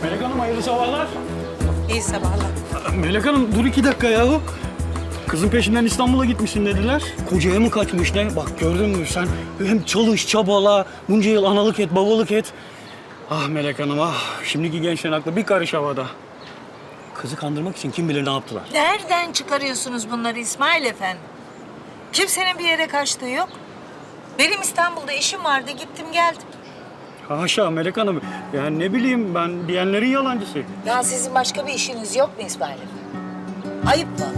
Melek Hanım hayırlı sabahlar. İyi sabahlar. Melek Hanım dur 2 dakika yahu. Kızın peşinden İstanbul'a gitmişsin dediler. Kocaya mı kaçmış ne? Bak gördün mü sen? Hem çalış, çabala, bunca yıl analık et, babalık et. Ah Melek Hanım ah. Şimdiki gençlerin aklı bir karış havada. Kızı kandırmak için kim bilir ne yaptılar. Nereden çıkarıyorsunuz bunları İsmail Efendi? Kimsenin bir yere kaçtığı yok. Benim İstanbul'da işim vardı, gittim geldim. Haşa Melek Hanım. Yani ne bileyim ben diyenlerin yalancısı. Ya sizin başka bir işiniz yok mu İsmail Efendi? Ayıp mı?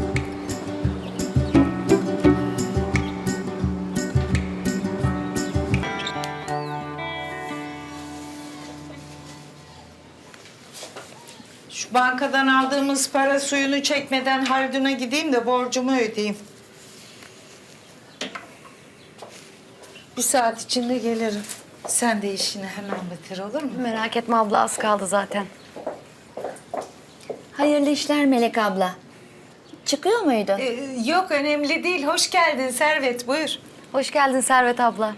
Şu bankadan aldığımız para suyunu çekmeden Haldun'a gideyim de borcumu ödeyeyim. Bir saat içinde gelirim. Sen de işini hemen bitir olur mu? Merak etme abla, az kaldı zaten. Hayırlı işler Melek abla. Çıkıyor muydu? Yok önemli değil. Hoş geldin Servet buyur. Hoş geldin Servet abla.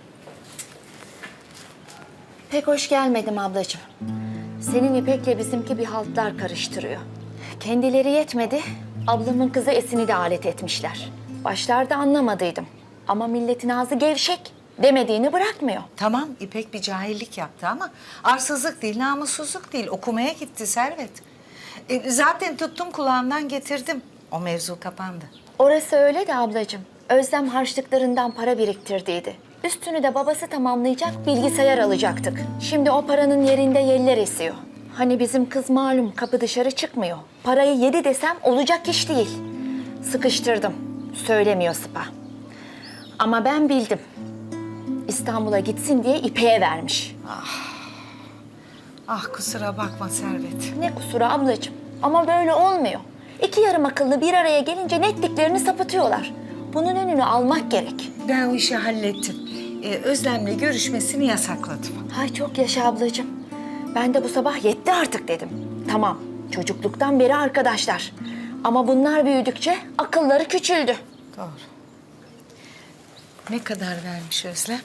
Pek hoş gelmedim ablacığım. Senin İpek'le bizimki bir haltlar karıştırıyor. Kendileri yetmedi, ablamın kızı Esin'i de alet etmişler. Başlarda anlamadıydım. Ama milletin ağzı gevşek. Demediğini bırakmıyor. Tamam İpek bir cahillik yaptı ama arsızlık değil, namussuzluk değil. Okumaya gitti Servet. Zaten tuttum kulağından getirdim. O mevzu kapandı. Orası öyle de ablacığım. Özlem harçlıklarından para biriktirdiydi. Üstünü de babası tamamlayacak, bilgisayar alacaktık. Şimdi o paranın yerinde yeller esiyor. Hani bizim kız malum kapı dışarı çıkmıyor. Parayı yedi desem olacak iş değil. Sıkıştırdım. Söylemiyor Sıpa. Ama ben bildim. İstanbul'a gitsin diye İpek'e vermiş. Ah kusura bakma Servet. Ne kusuru ablacığım. Ama böyle olmuyor. İki yarım akıllı bir araya gelince netliklerini sapıtıyorlar. Bunun önünü almak gerek. Ben o işi hallettim. Özlem'le görüşmesini yasakladım. Ay çok yaşa ablacığım. Ben de bu sabah yetti artık dedim. Tamam, çocukluktan beri arkadaşlar. Ama bunlar büyüdükçe akılları küçüldü. Doğru. Ne kadar vermiş Özlem?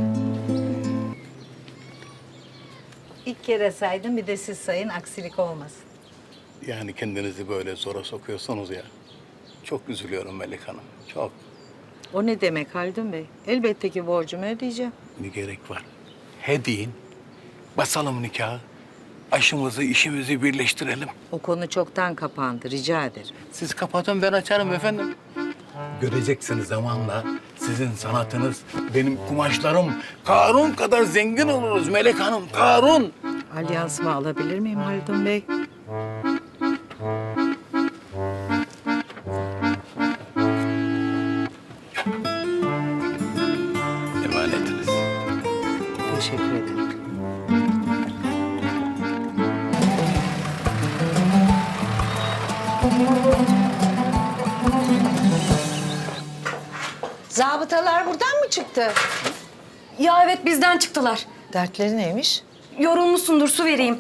İlk kere saydım bir de siz sayın aksilik olmasın. Yani kendinizi böyle zora sokuyorsunuz ya. Çok üzülüyorum Melek Hanım. Çok. O ne demek Haldun Bey? Elbette ki borcumu ödeyeceğim. Ne gerek var? He deyin. Basalım nikahı. Aşımızı, işimizi birleştirelim. O konu çoktan kapandı rica ederim. Siz kapatın ben açarım efendim. Göreceksiniz zamanla sizin sanatınız, benim kumaşlarım Karun kadar zengin oluruz Melek Hanım. Karun. Alyansımı alabilir miyim Haldun Bey? Emanetiniz. Teşekkür ederim. Zabıtalar buradan mı çıktı? Ya evet bizden çıktılar. Dertleri neymiş? Yorulmuşsundur, su vereyim.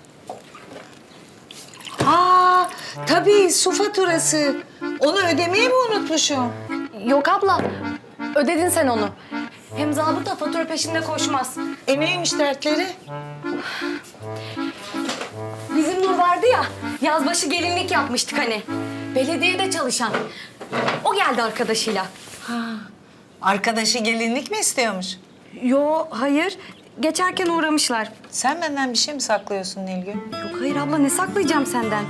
Aa, tabii su faturası. Onu ödemeyi mi unutmuşum? Yok abla, ödedin sen onu. Hem zabıta fatura peşinde koşmaz. Neymiş dertleri? Bizim Nur vardı ya, yazbaşı gelinlik yapmıştık hani. Belediyede çalışan. O geldi arkadaşıyla. Arkadaşı gelinlik mi istiyormuş? Yo, hayır. Geçerken uğramışlar. Sen benden bir şey mi saklıyorsun Nilgün? Yok hayır abla, ne saklayacağım senden?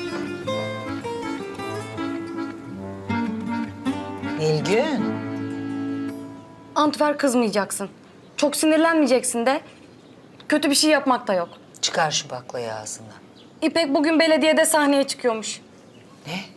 Nilgün. Antver kızmayacaksın. Çok sinirlenmeyeceksin de. Kötü bir şey yapmak da yok. Çıkar şu baklayı ağzından. İpek bugün belediyede sahneye çıkıyormuş. Ne?